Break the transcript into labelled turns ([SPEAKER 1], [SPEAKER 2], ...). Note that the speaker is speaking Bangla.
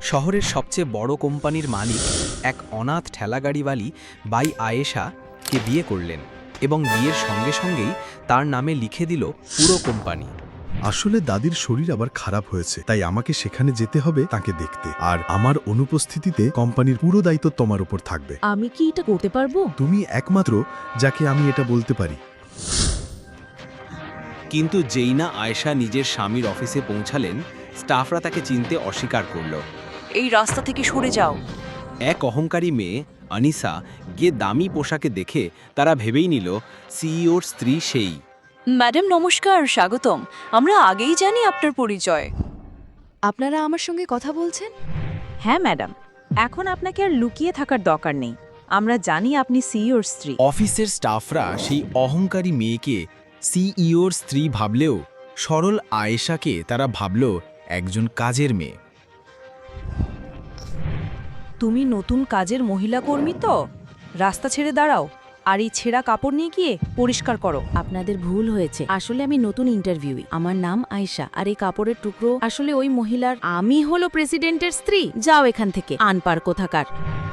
[SPEAKER 1] শহরের সবচেয়ে বড় কোম্পানির মালিক এক অনাথ ঠেলাগাড়িওয়ালি বাই আয়েশাকে বিয়ে করলেন এবং বিয়ের সঙ্গে সঙ্গেই তার নামে লিখে দিল পুরো কোম্পানি।
[SPEAKER 2] আসলে দাদির শরীর আবার খারাপ হয়েছে, তাই আমাকে সেখানে যেতে হবে তাকে দেখতে। আর আমার অনুপস্থিতিতে কোম্পানির পুরো দায়িত্ব তোমার উপর থাকবে।
[SPEAKER 3] আমি কি এটা করতে পারবো?
[SPEAKER 2] তুমি একমাত্র যাকে আমি এটা বলতে পারি।
[SPEAKER 1] কিন্তু যেই না আয়েশা নিজের স্বামীর অফিসে পৌঁছালেন, স্টাফরা তাকে চিনতে অস্বীকার করল।
[SPEAKER 4] এই রাস্তা থেকে সরে যাও।
[SPEAKER 1] এক অহংকারী মেয়ে আনিসা গিয়ে দামি পোশাকে দেখে তারা ভেবেই নিল সিইওর স্ত্রী সেই।
[SPEAKER 4] ম্যাডাম নমস্কার, স্বাগতম। আমরা আগেই জানি আপনার পরিচয়।
[SPEAKER 5] আপনারা আমার সঙ্গে কথা বলছেন?
[SPEAKER 3] হ্যাঁ ম্যাডাম, এখন আপনাকে আর লুকিয়ে থাকার দরকার নেই। আমরা জানি আপনি সিইওর স্ত্রী।
[SPEAKER 1] অফিসের স্টাফরা সেই অহংকারী মেয়েকে সিইওর স্ত্রী ভাবলেও সরল আয়েশাকে তারা ভাবল একজন কাজের মেয়ে।
[SPEAKER 3] তুমি নতুন কাজের মহিলা কর্মী তো? রাস্তা ছেড়ে দাঁড়াও, আর এই ছেঁড়া কাপড় নিয়ে গিয়ে পরিষ্কার করো।
[SPEAKER 5] আপনাদের ভুল হয়েছে। আসলে আমি নতুন ইন্টারভিউই। আমার নাম আয়েশা, আর এই কাপড়ের টুকরো আসলে ওই মহিলার। আমি হলো প্রেসিডেন্টের স্ত্রী। যাও এখান থেকে, আনপার কোথাকার।